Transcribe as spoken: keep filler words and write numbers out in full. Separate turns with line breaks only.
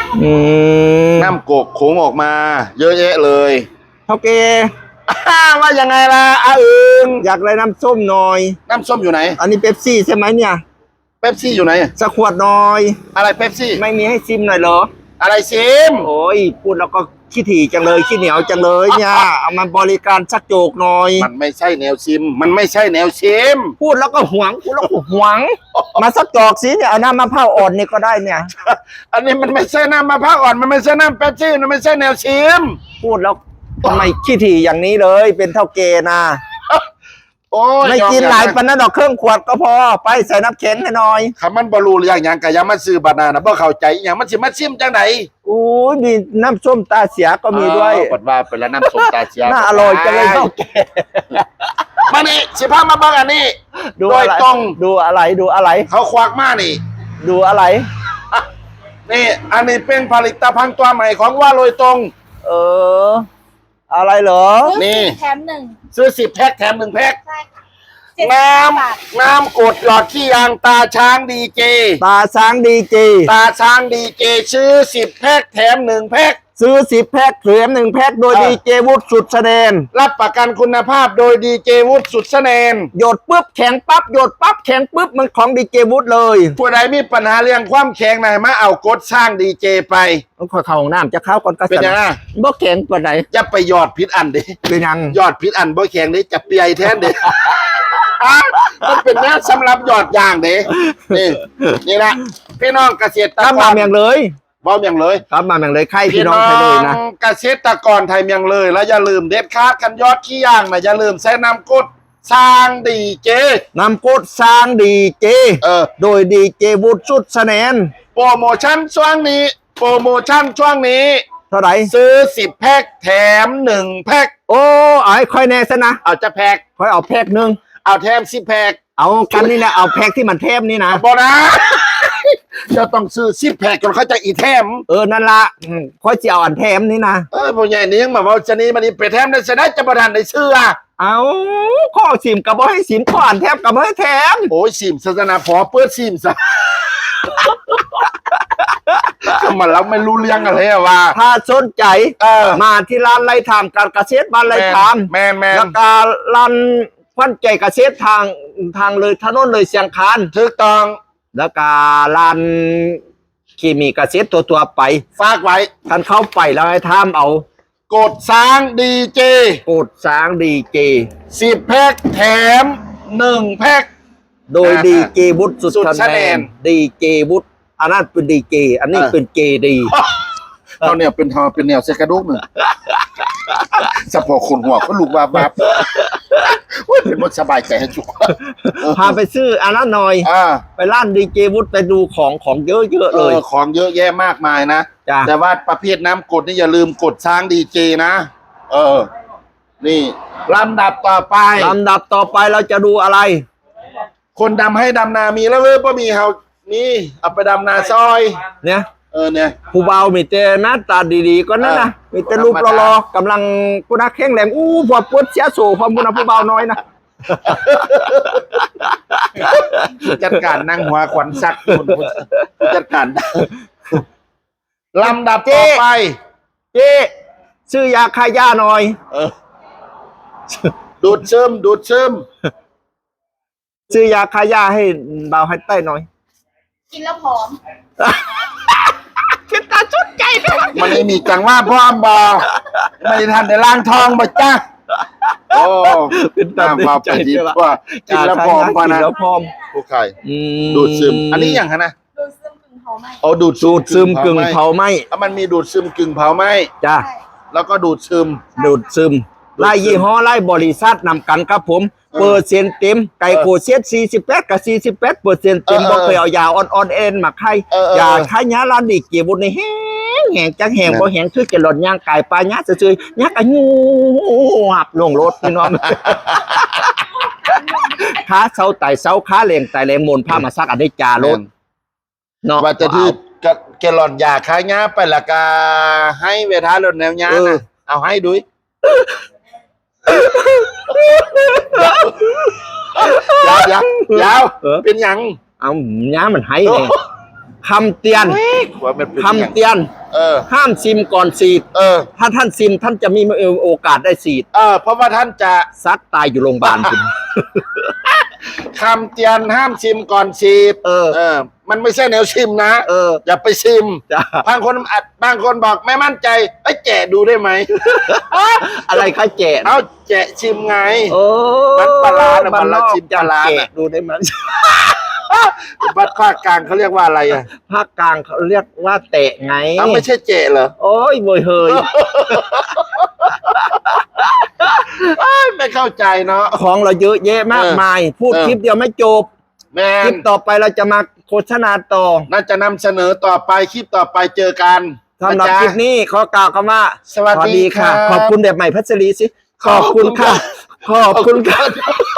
อืม
น้ำกกโขงออกมา เยอะแยะเลย
เท่าแก
ว่ายังไงล่ะอาอึง
อยากได้น้ำส้มหน่อย
น้ำส้มอยู่ไหน
อันนี้เป๊ปซี่ใช่ไหมเนี่ย
เป๊ปซี่อยู่ไหน
สักขวดหน่อย
อะไรเป๊ปซี่
ไม่มีให้ซิมหน่อยเหรอ
อะไรซิม
โอ้ยพูดแล้วก็ขี้ถี่จังเลยขี้เหนียวจังเลยเนี่ยเอามาบริการสักโจกหน่อย
มันไม่ใช่แนวซิม มันไม่ใช่แนวซิม
พูดแล้วก็หวงพูดแล้วก็หวง มาสักจอกสิเนี่ยเอาน้ำมะพร้าวอ่อนนี่ก็ได้เนี่ย
อันนี้มันไม่ใช่น้ำมะพร้าวอ่อน มันไม่ใช่น้ำเป๊ปซี่ มันไม่ใช่แนวซิม
พูดแล้วทำไมขี้ถี่อย่างนี้เลย เป็นเท่าเกนะ
โอ้ย
ไม่กินหลายปันนั้นดอกเครื่องขวดก็พอไปใส่น้ำแข็งให้หน่อย
คำมันบรูเรื่องอย่างกะยามาซื้อบานานะบ่เข้าใจอย่างมันสิมาซิมจังไหน
อู้ยมีน้ำส้มตาเสียก็มีด้วย
กดว่าเป็นแล้วน้ำส้มตาเชีย
น่าอร่อยจังเลยเท่าแก
มานี่สิพามาเบิ่งอันนี้
ดู
โด
อะ
ย
ไร
ตรง
ดูอะไรดูอะไร
เขาควักมานี่
ดูอะไร
นี่ อันนี้เป็นผลิตภัณฑ์ตัวใหม่ของว่าโดยตรง
เออ อะไรเหรอ
นี่
แถมหนึ่ง
ซื้อสิบแพ็คแถมหนึ่งแพ็ค
ใช่ค่ะเจ็ดสิบ
น้
ห้าบาท
ำน้ำกดหลอดขี้ยางตาช้างดีเจ
ตาช้างดีจี
ตาช้างดีเจซื้อสิบแพ็คแถมหนึ่งแพ็ค
ซื้อสิบแพ็คเหลือหนึ่งแพ็คโดย
เออ
ดีเจวุฒิสุดแสดง
รับประกันคุณภาพโดยดีเจวุฒิสุดแสนน
หยดปุ๊บแข็งปั๊บหยดปั๊บแข็งปุ๊บมันของดีเจวุฒิเลย
ผู้ใดมีปัญหาเรื่องความแข็งไหนมาเอากดสร้างดีเจไป
ต้องขอเข้าห้องน้ำจะเข้าก่อนก็
เป็นยังไง
บ่แข็งปานใด
จะไปยอดพิษอันเดิ
เป็นยัง
ยอดพิษอันบ่แข็งเดิจะเปียแทนเดิ มันเป็นแนวสำหรับยอดอย่างเด้นี่นี่นะพี่น้องเกษตร
กลับ
ก
มาร เมียงเลย
บ่เมียงเลย
กลับมาเมียงเลยใคร
พี่
พี่น้
น้
อ
อง ง
ใครเลยนะ
เกษตรกรไทยเมียงเลย แล้วอย่าลืมเด็ดขาดกันยอดขี้ย่างนะอย่าลืมใส่น้ำกดสร้างดีเจ
นำกดสร้างดีเจ
เออ
โดยดีเจวุฒิสุดแสดง
โปรโมชั่นช่วงนี้ โปรโมชั่นช่วงนี้
เท่าไหร่
ซื้อสิบแพ็คแถมหนึ่งแพ็ค
โอ้เอาให้ค่อยแน่ซะนะ
เอาจะแพ็ค
ค่อยเอาแพ็คหนึ่ง
เอาแถมสิบแพ็ค
เอากันนี่นะเอาแพ็คที่มันเทมนี่นะ
บอนะ จะต้องซื้อสิบแพ็คก่อนเขาจะอีแถม
เออนั่นละอืมค่อยจะเอาอันเทมนี่นะ
เออผู้ใหญ่นี่ยังมาว่าจะนี้มันนี่ไปแถมได้ชนะจะประทานในเสื้อ
เอาข้อสิมกับบ่ให้สิมข้ออันแทมกับบ่ให้แถม
โอ้ยสิมศาสนาพอเปิดสิมซะ มันเราไม่รู้เรื่องอะไรอะว่า
ถ้าสนใจ
เออ
มาที่ร้านไร่ทามการเกษตรบ้านไร่ทาม
แมนแมน
แล้วก็ร้านควันใจเกษตรทางทางเลยถนนเลยเสียงคาน
ถูกต้อง
แล้วก็ร้านเคมีเกษตรตัวตัวๆไป
ฝากไว้
ท่านเข้าไปแล้วให้ทามเอา
กดสร้างดีเจ
กดสร้างดีเจ
สิบแพ็คแถมหนึ่งแพ็ค
โดย
อ่า
ดีเจวุฒิสุด
สุด
คะ
คะ
แน
แน
น
น
ดีเจวุฒิอันนั้นเป็นดีเจอันนี้
เออ
เป็นเจดี
เราเนี่ยเป็นทอเป็นแนวเซกระดุกหนึ่งสะโพกคนหัวก็ลูกว่าบับโอ้ยเป็นมดสบายใจให้จุก
พาไปซื้ออันนั้นหน่อย
อ่า
ไปร้านดีเจวุฒิไปดูของของเยอะๆ
เอ
เลย
อของเยอะแยะมากมายนะ
จ้ะ
แต่ว่าประเภทน้ำกดนี่อย่าลืมกดช้างดีเจนะ เออ นี่ลำดับต่อไป
ลำดับต่อไปเราจะดูอะไร
คนดำให้ดำนามีแล้วเว้ยป่ะมีเฮานี่เอาไปดำนาซอย
เนี่ย
เออเนี่ย
ผู้เบามีแต่หน้าตาดีๆก็นั่นนะ
เออ
มีแต่รูปรอๆกำลังกุนักแข็งแรงอู้พอปวดเสียโซ่ความกุนักผู้เบาน้อยนะ
จัดการนั่งหัวขวัญซักคนจัดการลำดับต่อไป
เจ๊ซื้อยาคายาหน่อย
เออ ดูดซึมดูดซึม
ซื้อยาคายาให้เบาให้ใต้หน่อย
กินแล้วผอม
เป็นตาชุดใจด้วย
มันไม่มีจังว่าพ่อมบอไม่ทันได้ล้างทองบ่จ้าโอ้
เป็นตา
น้ำมาไปดี
ใช่ปะ
กว่ากินแล้วพร้อมพอ
กิน
นะ
แล้วพร้อม
ผู้ไข่
อืม
ดูดซึม อันนี้อย่างฮะนะ
ดูดซึมกึ่งเผาไหม
เอาดูด
สูดซึมกึ่งเผาไหม
แล้วมันมีดูดซึมกึ่งเผาไหม
จ้า
ใช่
แล้วก็ดูดซึม
ดูดซึมไล่ยี่ห้อไล่บริษัทนำกันครับผม
เออ
เปอร์เซ็นต์เต็มไก่โคเซียนสี่สิบแปดกับสี่สิบแปดเปอร์เซ็นต์เต็ม
เออ
บอกเคยเอายาอ่อนๆเอ็นมาไข่
เออเออ
ยาไข่ยาลานดิเกียบุญในแห้งแห้งจังแห้ง
นะ
บ่แห้งคือจะหล่นย่างไก่ปลาญาซื่อๆยักอันงูหับลงรถพี่น้อง ขาเสาไต่เสาขาเหลงไต่แรงมนผ้ามาซักอันได้จารถเนาะ
ว่าจะถือกะแกลลอนยาค้ายาไปละกาให้เวทาลดแนวยา
เออ
นะเอาให้ดุยยาวยาวยาวเป็นหยัง
เอาหญ้ามันให้เลยคำเตือน
หัวมันเป็น
คำเตือน
เออ
ห้ามซิมก่อนฉีด
เออ
ถ้าท่านซิมท่านจะมีโอกาสได้ฉีด
เออ เพราะว่าท่านจะ
ซัดตายอยู่โรงพยาบาลคุณ
คำเตือนห้ามชิมก่อนฉีด
เออ
เออ มันไม่ใช่แนวชิมนะ
เออ
อย่าไปชิม
จ้า
บางคนอาจบางคนบอกไม่มั่นใจไอ้ยแกะดูได้ไหม
อะไรคะแจก
เอาแกะชิมไง
โอ้
มันปลาร้าน่ะ
บ้
มันละ
นอก
ชิมปลาร้า
แจ
น่ะ
กดูได้ไหม
บัดภาคกลางเขาเรียกว่าอะไรอ่ะ
ภาคกลางเขาเรียกว่าเตะไง
เอาไม่ใช่เจะเหรอ
โอ้ยเวยเฮย
เอ้ยไม่เข้าใจเนาะ
ของเราเยอะแยะมากมาย พูด
เออ
คลิปเดียวไม่จบ
แม
คลิ
น
ปต่อไปเราจะมาโฆษณาต่อ
น่าจะนำเสนอต่อไปคลิปต่อไปเจอกัน
สำหรับ
นะจ๊ะ
คลิปนี้ขอกล่าวคำว่า
สวัสดี
ค่ะ
ครับ
ขอบคุณแบบใหม่พัชรีสิ ขอบคุณค่ะ ขอบคุณค่ะ